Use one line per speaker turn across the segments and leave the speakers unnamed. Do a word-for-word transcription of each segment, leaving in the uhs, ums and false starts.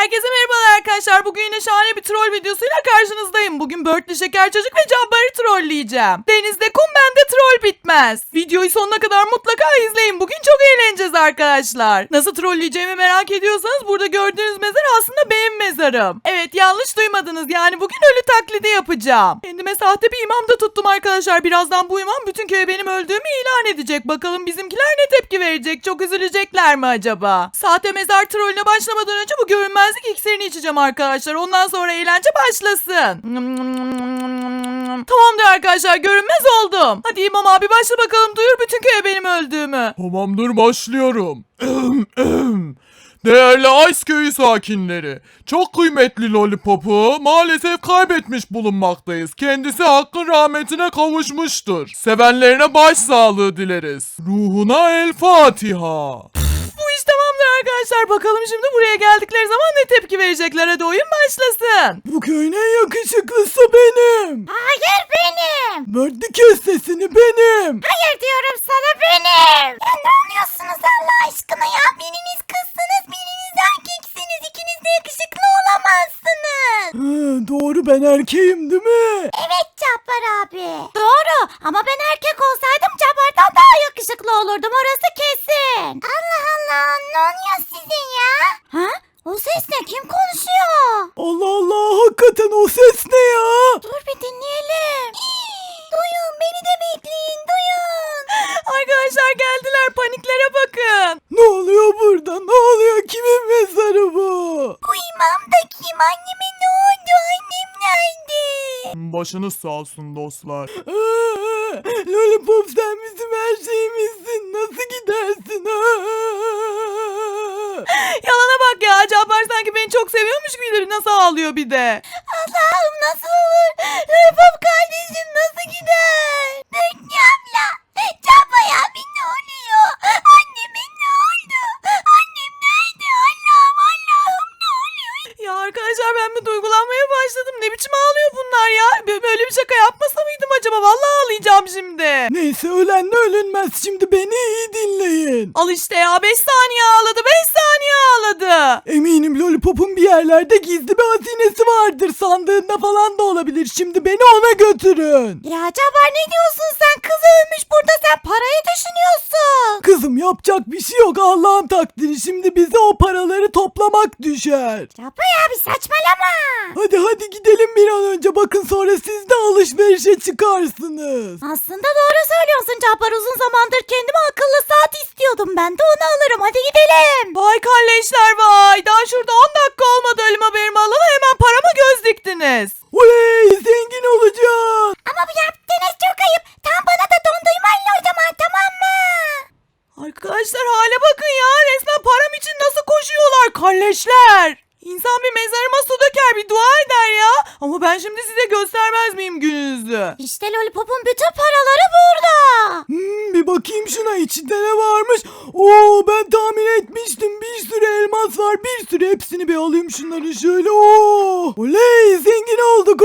Herkese merhabalar arkadaşlar. Bugün yine şahane bir troll videosuyla karşınızdayım. Bugün Börtlü Şeker Çocuk ve Cabbar'ı trolleyeceğim. Denizde kum, bende troll bitmez. Videoyu sonuna kadar mutlaka izleyin. Bugün çok eğleneceğiz arkadaşlar. Nasıl trolleyeceğimi merak ediyorsanız burada gördüğünüz mezar aslında benim mezarım. Evet, yanlış duymadınız. Yani bugün ölü taklidi yapacağım. Kendime sahte bir imam da tuttum arkadaşlar. Birazdan bu imam bütün köye benim öldüğümü ilan edecek. Bakalım bizimkiler ne tepki verecek? Çok üzülecekler mi acaba? Sahte mezar trollüne başlamadan önce bu görünmezlik iksirini içeceğim arkadaşlar. Ondan sonra eğlence başlasın. Tamamdır arkadaşlar, görünmez oldum. Hadi imam abi başla bakalım, duyur bütün köye benim öldüğümü.
Tamamdır, başlıyorum. Değerli Ice Köyü sakinleri, çok kıymetli Lollipop'u maalesef kaybetmiş bulunmaktayız. Kendisi hakkın rahmetine kavuşmuştur. Sevenlerine başsağlığı dileriz. Ruhuna El Fatiha.
Bu iş tamamdır arkadaşlar. Bakalım şimdi buraya geldikleri zaman ne tepki verecekler. Hadi oyun başlasın.
Bu köyün en yakışıklısı benim.
Hayır benim.
Verdi kes sesini, benim.
Hayır diyorum sana benim. Ya ne oluyorsunuz Allah aşkına ya? Biriniz kızsınız, biriniz erkeksiniz. İkiniz de yakışıklı olamazsınız.
Hı, doğru, ben erkeğim değil mi?
Evet Cabbar abi. Doğru ama ben erkek olsaydım Cabbar'dan daha yakışıklı olurdum, orası kesin. Allah Allah, ne oluyor sizin ya? Ha? O ses ne? Kim konuşuyor?
Allah Allah, hakikaten o ses ne ya?
Dur bir dinleyelim. Duyun, beni de bekleyin, duyun.
Arkadaşlar geldiler, paniklere bakın.
Ne oluyor burada? Ne oluyor? Kimin mezarı bu?
Bu imam da kim? Anneme ne oldu? Annem nerede?
Başınız sağ olsun dostlar. Lollipop, sen bizim her şeyimizsin. Nasıl gidersin?
Yalana bak ya, Cabbar sanki beni çok seviyormuş gibi nasıl ağlıyor bir de.
Allah'ım nasıl olur? Lollipop kardeşim nasıl gider? Dönüyor abla. Cabbar abi ne oluyor? Anneme ne oldu? Annem nerede? Allah'ım Allah'ım ne oluyor?
Ya arkadaşlar, ben bir duygulanmaya başladım. Ne biçim ağlıyor bunlar ya? Böyle bir şaka yapmasa mıydım acaba? Vallahi ağlayacağım şimdi.
Neyse, ölenle ölünmez. Şimdi beni iyi dinleyin.
Al işte ya, beş saniye ağladı, beş saniye ağladı.
Eminim Lollipop'un bir yerlerde gizli bir hazinesi vardır. Sandığında falan da olabilir. Şimdi beni ona götürün.
Ya Cabbar ne diyorsun sen? Kız ölmüş burada, sen parayı düşünüyorsun.
Kızım, yapacak bir şey yok. Allah'ın takdiri. Şimdi bize o paraları toplamak düşer.
Cabbar abi saçmalama.
Hadi hadi gidelim bir an önce. Bakın sonra siz de alışverişe çıkarsınız.
Aslında doğru söylüyorsun Cabbar, uzun zamandır kendime akıllı saat istiyordum. Ben de onu alırım, hadi gidelim.
Vay kalleşler vay. Daha şurada on dakika olmadı ölüm haberimi alalı, hemen parama göz diktiniz.
Oley, zengin olacağız.
Ama bu yaptığınız çok ayıp. Tam bana da dondurmayla o zaman, tamam mı?
Arkadaşlar hale bakın ya, resmen param için nasıl koşuyorlar kalleşler. İnsan bir mezarıma su döker, bir dua eder ya. Ama ben şimdi size göstermez miyim gününüzü?
İşte Lollipop'un bütün paraları burada.
Hmm, bir bakayım şuna, içinde ne varmış. Oo, ben tahmin etmiştim. Bir sürü elmas var. Bir sürü, hepsini bir alayım şunları şöyle. Oo, oley, zengin olduk,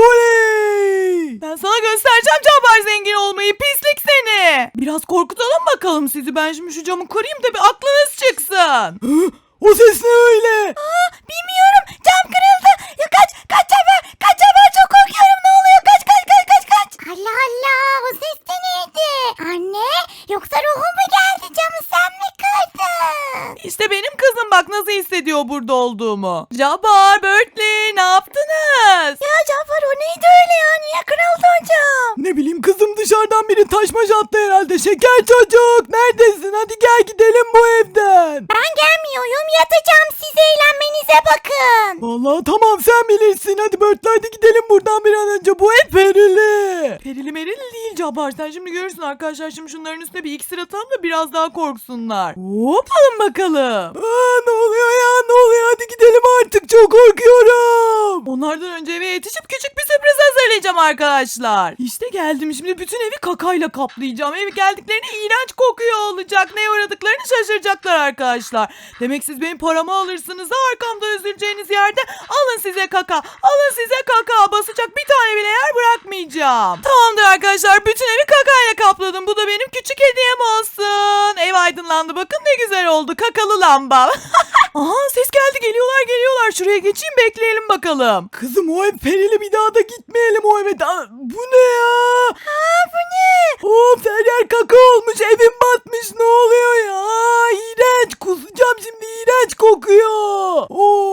oley.
Ben sana göstereceğim Cabbar zengin olmayı, pislik seni. Biraz korkutalım bakalım sizi. Ben şimdi şu camı kırayım da bir aklınız çıksın.
Hı? O ses ne öyle?
Aa, bilmiyorum, cam kırıldı. Ya kaç, kaç Cabbar, kaç Cabbar, çok korkuyorum, ne oluyor? Kaç, kaç, kaç, kaç, kaç. Allah Allah, o ses de neydi? Anne, yoksa ruhum mu geldi, camı sen mi kırdın?
İşte benim kızım, bak nasıl hissediyor burada olduğumu. Cabbar, Börtlü, ne yaptınız?
Ya Cabbar, o neydi öyle ya, niye kırıldı o cam?
Ne bileyim kızım, dışarıdan biri taşmaş attı herhalde. Şeker çocuk, neredesin? Hadi gel gidelim bu evden.
Ben gelmiyorum, yatacağım, siz eğlenmenize bakın.
Vallahi tamam, sen bilirsin. Hadi Börtlü, hadi gidelim buradan bir an önce. Bu ev perili.
Perili merili değil Cabbar, sen şimdi görürsün arkadaşlar. Şimdi şunların üstüne bir iksir atalım da biraz daha korksunlar. Hop, alın bakalım.
Aa, ne oluyor ya, ne oluyor? Hadi gidelim artık, çok korkuyorum.
Onlardan önce eve yetişip küçük bir sürpriz hazırlayacağım arkadaşlar. İşte geldim, şimdi bütün evi kakayla kaplayacağım. Ev geldiklerinde iğrenç kokuyor olacak. Neye uğradıklarını şaşıracaklar arkadaşlar. Demek siz benim paramı alırsınız da arkamda üzüleceğiniz yerde alın size kaka. Alın size kaka. Basacak bir tane bile yer bırakmayacağım. Tamamdır arkadaşlar, bütün evi kakayla kapladım. Bu da benim küçük hediyem olsun. Ev aydınlandı, bakın ne güzel oldu. Kakalı lamba. Aha, ses geldi, geliyorlar geliyorlar. Şuraya oraya geçeyim bekleyelim bakalım. Kızım o ev perili, bir daha da gitmeyelim o eve. Aa, bu ne ya?
Aa bu ne?
Of, her yer kaka olmuş, evim batmış, ne oluyor ya? Aa, iğrenç, kusacağım şimdi, iğrenç kokuyor.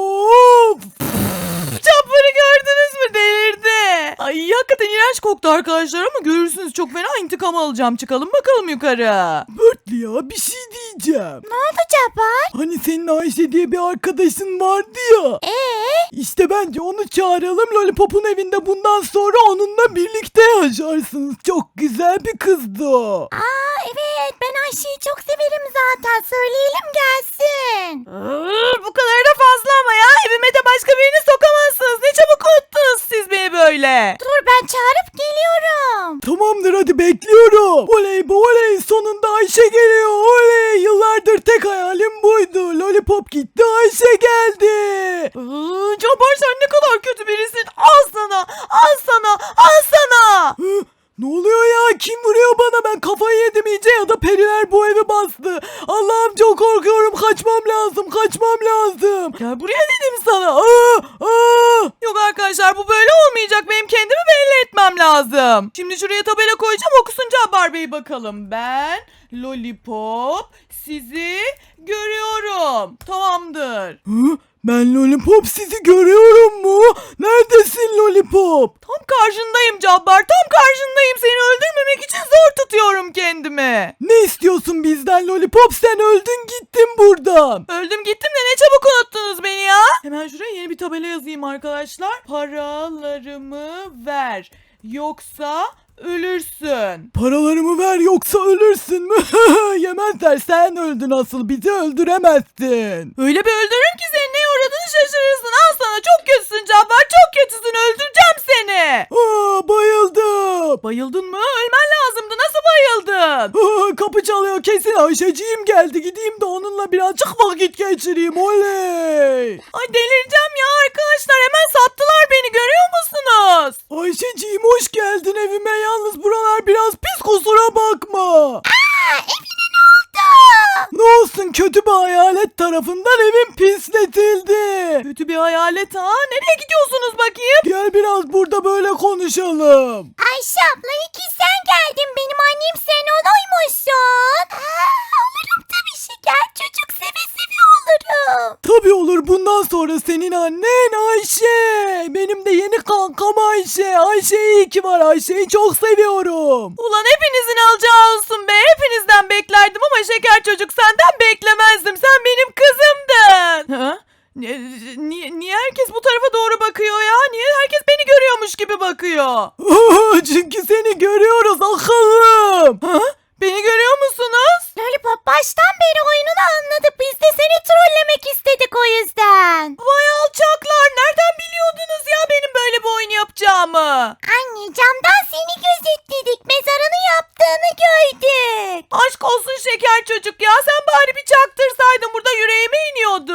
Of. Çapları gördünüz mü, delirdi. Ay hakikaten iğrenç koktu arkadaşlar ama görürsünüz çok fena intikam alacağım. Çıkalım bakalım yukarı. Börtlü ya, bir şey diyeceğim.
Ne oldu Cabbar?
Hani senin Ayşe diye bir arkadaşın vardı ya.
Ee?
İşte bence onu çağıralım, Lollipop'un evinde bundan sonra onunla birlikte yaşarsınız. Çok güzel bir kızdı o.
Aa evet, ben Ayşe'yi çok severim zaten. Söyleyelim gelsin.
Bu kadar da fazla ama ya, evime de başka birini sokamazsınız. Ne çabuk unuttunuz siz beni böyle.
Dur ben çağırıp geliyorum.
Tamamdır, hadi bekliyorum. Oley bu oley, sonunda Ayşe geliyor. Oley, yıllardır tek hayalim buydu. Lollipop gitti, Ayşe geldi. Iıı, Cabbar sen ne kadar kötü birisin. Al sana, al sana, al sana. Hı? Ne oluyor ya? Kim vuruyor bana? Ben kafayı yedim iyice, ya da periler bu evi bastı. Allah'ım çok korkuyorum. Kaçmam lazım. Kaçmam lazım. Gel buraya dedim sana. Aa, aa. Yok arkadaşlar, bu böyle olmayacak. Benim kendimi belli etmem lazım. Şimdi şuraya tabela koyacağım. Okusun Cabbar Bey bakalım. Ben Lollipop sizi görüyorum. Tamamdır. Hı? Ben Lollipop sizi görüyorum mu? Neredesin Lollipop? Tam karşındayım Cabbar, tam karşındayım. Seni öldürmemek için zor tutuyorum kendimi. Ne istiyorsun bizden Lollipop? Sen öldün gittin buradan. Öldüm gittim de ne çabuk unuttunuz beni ya. Hemen şuraya yeni bir tabela yazayım arkadaşlar. Paralarımı ver, yoksa ölürsün. Paralarımı ver yoksa ölürsün mü? Yemezler, sen öldün asıl, bizi öldüremezsin. Öyle bir öldürürüm ki senin neye uğradığını şaşırırsın. Al sana, çok kötüsün Cabbar, çok kötüsün, öldüreceğim seni. Aa, bayıldım. Bayıldın mı? Ölmen lazımdı, nasıl bayıldın? Aa, kapı çalıyor, kesin Ayşeciğim geldi, gideyim de onunla birazcık vakit geçireyim, oley. Ay delireceğim ya arkadaşlar, hemen sattılar beni, görüyor musunuz? Ayşeciğim hoş geldin evime, yalnız buralar biraz pis, kusura bakma.
Aa evine ne oldu?
Ne olsun, kötü bir hayalet tarafından evim pisletildi. Kötü bir hayalet ha? Nereye gidiyorsunuz bakayım? Gel biraz burada böyle konuşalım.
Ayşe abla, iki sen geldin. Benim annem sen oluymuşsun. Aa, olurum tabii şeker çocuk, seve seve olurum.
Tabii olur, bundan sonra senin annen Ayşe. Benim de yeni kankam Ayşe. Ayşe iyi ki var, Ayşe'yi çok seviyorum. Ulan hepinizin alacağı olsun be. Hepinizden beklerdim ama şeker çocuk senden beklemezdim. Sen benim kızımdın. Ha? Niye, niye herkes bu tarafa doğru bakıyor ya? Niye herkes beni görüyormuş gibi bakıyor? Çünkü seni görüyoruz akıllım. Ha? Beni görüyor musunuz?
Lollipop baştan beri oyununu anladı. Biz de seni trollemek istedik o yüzden.
Vay alçaklar, nereden biliyordunuz ya benim böyle bir oyun yapacağımı?
Anne camdan seni gözetledik. Mezarını yaptığını gördük.
Aşk olsun şeker çocuk ya, sen bari bir çaktırsaydın, burada yüreğime iniyordu.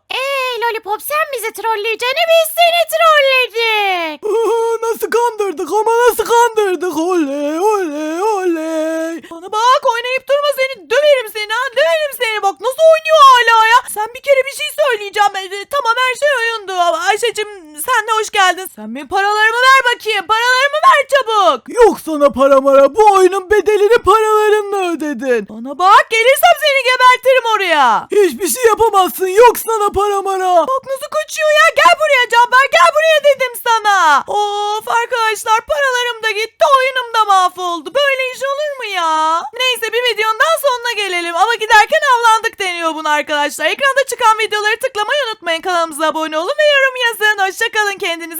Eee Lollipop, sen bizi trolleyeceğine biz seni trolledik.
Nasıl kandırdık ama nasıl kandırdık, oley oley oley. Bana bak, oynayıp durma, seni döverim seni ha, döverim seni, bak nasıl oynuyor hala ya. Sen bir kere bir şey söyleyeceğim, e, tamam her şey oyundu ama Ayşe'cim sen de hoş geldin. Sen benim paralarımı ver bakayım, paralarımı ver çabuk. Yok sana para mara, bu oyunun bedelini paralarınla ödedin. Bana bak, gelirsem seni gebertirim oraya. Hiçbir şey yapamazsın, yok sana para mara. Bak nasıl kaçıyor ya, gel buraya Cabbar, gel buraya dedim sana. Of arkadaşlar, paralarım da gitti, oyunum da mahvoldu, böyle iş olur mu ya? Neyse, bir videonun daha sonuna gelelim ama giderken avlandık deniyor bunu arkadaşlar. Ekranda çıkan videoları tıklamayı unutmayın, kanalımıza abone olun ve yorum yazın. Hoşçakalın, kendinize